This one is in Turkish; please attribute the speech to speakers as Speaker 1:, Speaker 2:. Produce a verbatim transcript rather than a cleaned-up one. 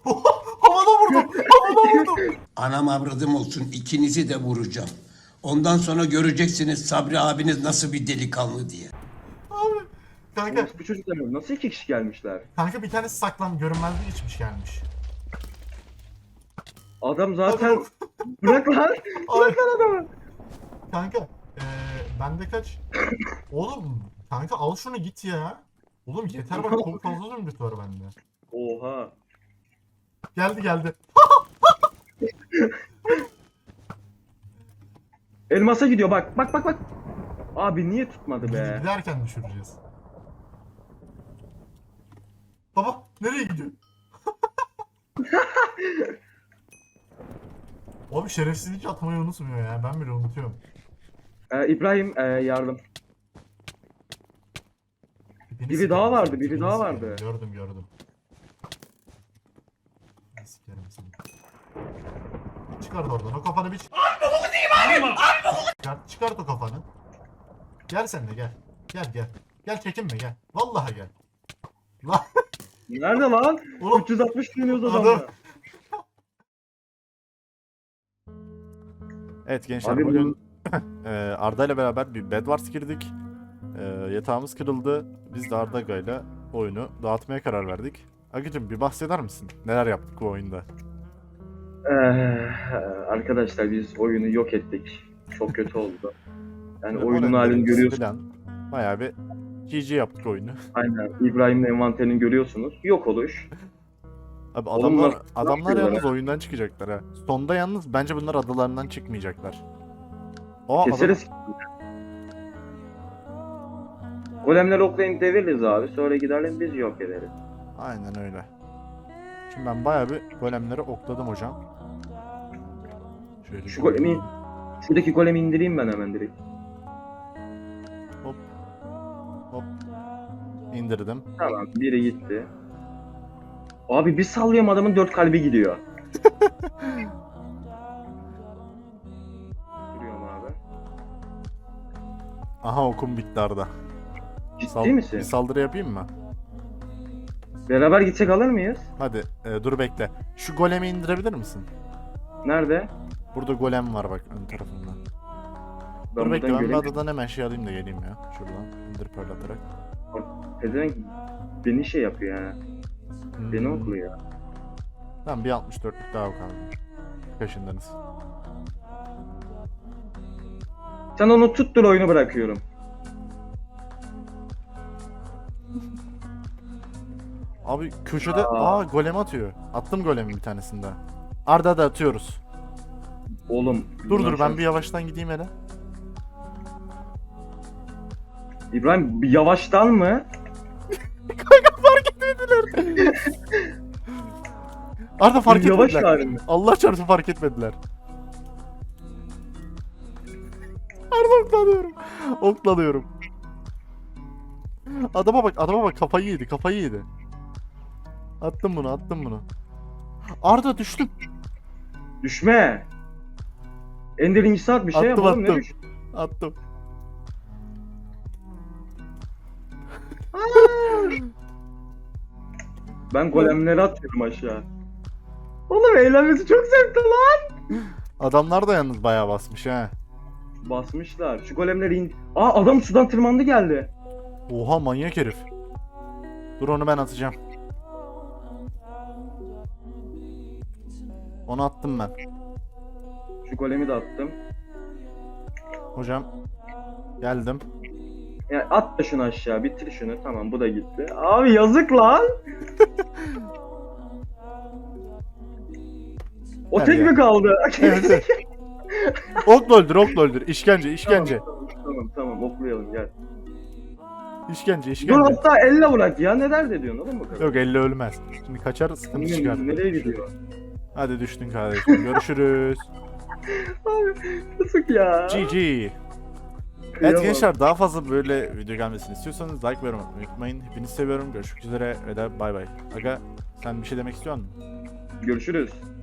Speaker 1: Havada vurdum. Havada vurdum.
Speaker 2: Anam avradım olsun, ikinizi de vuracağım. Ondan sonra göreceksiniz Sabri abiniz nasıl bir delikanlı diye.
Speaker 1: Abi. Kanka.
Speaker 3: Bu çocuklar nasıl iki kişi gelmişler?
Speaker 1: Kanka bir tanesi saklan görünmezliği geçmiş gelmiş.
Speaker 3: Adam zaten...
Speaker 1: Hadi
Speaker 3: Bırak lan! Bırak lan adamı!
Speaker 1: Kanka. Ee, bende kaç? Oğlum. Kanka al şunu git ya. Oğlum yeter bak çok fazla zümrüt var bende.
Speaker 3: Oha!
Speaker 1: Geldi geldi.
Speaker 3: Elmasa gidiyor bak bak bak bak! Abi niye tutmadı be?
Speaker 1: Giderken düşüreceğiz. Baba nereye gidiyor? Abi şerefsizlik atmayı unutmuyor ya. Ben bile unutuyorum.
Speaker 3: Ee, İbrahim ee, yardım.
Speaker 1: Tipini
Speaker 3: Biri
Speaker 1: sikerim,
Speaker 3: daha vardı,
Speaker 1: tipini
Speaker 3: biri daha
Speaker 1: sikerim.
Speaker 3: vardı.
Speaker 1: Gördüm gördüm. Sikerim seni. Çıkart oradan o kafanı bir çık. Çıkart, çıkart o kafanı. Gel sen de gel. Gel gel. Gel çekinme gel. Vallahi gel. Lan
Speaker 3: Nerede lan?
Speaker 1: oğlum
Speaker 3: üç yüz altmış dönüyoruz
Speaker 1: adam-
Speaker 3: adamla.
Speaker 4: Evet gençler
Speaker 3: Abi
Speaker 4: bugün e, Arda ile beraber bir Bed Wars girdik. E, yatağımız kırıldı. Biz de Arda ile oyunu dağıtmaya karar verdik. Agıcım bir bahseder misin? Neler yaptık bu oyunda?
Speaker 3: Ee, arkadaşlar biz oyunu yok ettik. Çok kötü oldu. Yani oyunun halini
Speaker 4: Öğrendiğimiz
Speaker 3: görüyorsunuz.
Speaker 4: Falan, bayağı bir G G yaptık oyunu.
Speaker 3: Aynen. İbrahim'in envanterini görüyorsunuz. Yok oluş.
Speaker 4: Abi
Speaker 3: Oğlum
Speaker 4: adamlar
Speaker 3: nasıl-
Speaker 4: adamlar
Speaker 3: nasıl
Speaker 4: yalnız
Speaker 3: yapıyorlar?
Speaker 4: oyundan çıkacaklar ha. Sonda yalnız bence bunlar adalarından çıkmayacaklar. Aa, adam-
Speaker 3: Keseriz. Golemler oklayıp deviririz abi. Sonra gidelim biz yok ederiz.
Speaker 4: Aynen öyle. Şimdi ben bayağı bir golemleri okladım hocam. Şöyle
Speaker 3: Şu golemi, şuradaki golemi indireyim ben hemen direkt.
Speaker 4: hop hop indirdim.
Speaker 3: Tamam, biri gitti. Abi bir sallıyorum adamın dört kalbi gidiyor. Duruyorum abi.
Speaker 4: Aha okum bitti Arda.
Speaker 3: Ciddi
Speaker 4: Sal-
Speaker 3: misin?
Speaker 4: Bir saldırı yapayım mı?
Speaker 3: Beraber gitsek alır mıyız?
Speaker 4: Hadi e, dur bekle. Şu golemi indirebilir misin?
Speaker 3: Nerede?
Speaker 4: Burada golem var bak ön tarafında.
Speaker 3: Ben
Speaker 4: dur bekle
Speaker 3: buradan
Speaker 4: ben bir
Speaker 3: göreyim.
Speaker 4: adadan hemen şey alayım da geleyim ya. Şuradan indir parlatarak.
Speaker 3: Pezevenk beni şey yapıyor yani.
Speaker 4: Hmm.
Speaker 3: Beni okluyor.
Speaker 4: Tamam bir altmış dörtlük daha kaldı. Kaşındınız.
Speaker 3: Sen onu tuttur oyunu bırakıyorum.
Speaker 4: Abi köşede
Speaker 3: Aa.
Speaker 4: aa golem atıyor. Attım golemi bir tanesinde. Arda da atıyoruz.
Speaker 3: Oğlum.
Speaker 4: Dur
Speaker 3: bundan
Speaker 4: dur ben
Speaker 3: sonra-
Speaker 4: bir yavaştan gideyim hele.
Speaker 3: İbrahim bir yavaştan mı?
Speaker 4: Arda fark
Speaker 3: Bir yavaş
Speaker 4: etmediler.
Speaker 3: halinde.
Speaker 4: Allah çarpsın fark etmediler. Arda oklanıyorum. Oklanıyorum. Adama bak adama bak kafayı yedi kafayı yedi. Attım bunu attım bunu. Arda düştüm.
Speaker 3: Düşme. Ender'in saat bir şey
Speaker 4: Attım,
Speaker 3: yapalım. Ne
Speaker 4: attım.
Speaker 3: düş?
Speaker 4: Attım.
Speaker 3: Ben golemleri atıyorum aşağı. Oğlum eğlenmesi çok zevkli lan.
Speaker 4: Adamlar da yalnız bayağı basmış ha.
Speaker 3: Basmışlar. Şu golemleri in... Aa adam sudan tırmandı geldi.
Speaker 4: Oha manyak herif. Dur onu ben atacağım. Onu attım ben.
Speaker 3: Şu golemi de attım.
Speaker 4: Hocam geldim.
Speaker 3: Ya at da şunu aşağı. Bitir şunu. Tamam bu da gitti. Abi yazık lan. O
Speaker 4: Gel
Speaker 3: tek
Speaker 4: ya.
Speaker 3: mi kaldı?
Speaker 4: Evet, evet. Okla öldür okla öldür. İşkence işkence.
Speaker 3: Tamam, tamam tamam oklayalım gel.
Speaker 4: İşkence
Speaker 3: Dur
Speaker 4: işkence.
Speaker 3: hatta elle bırak ya. Ne dert ediyorsun oğlum bu kadar?
Speaker 4: Yok elle ölmez. Şimdi kaçar sıkıntı
Speaker 3: Nereye-
Speaker 4: çıkar.
Speaker 3: Nereye gidiyor?
Speaker 4: Hadi düştün kardeşim. Görüşürüz.
Speaker 3: Abi yazık ya.
Speaker 4: G G. Evet
Speaker 3: Kıyamam.
Speaker 4: gençler daha fazla böyle video gelmesini istiyorsanız like ve yorum atmayı unutmayın. Hepinizi seviyorum. Görüşmek üzere ve de bay bay. Aga sen bir şey demek istiyor musun?
Speaker 3: Görüşürüz.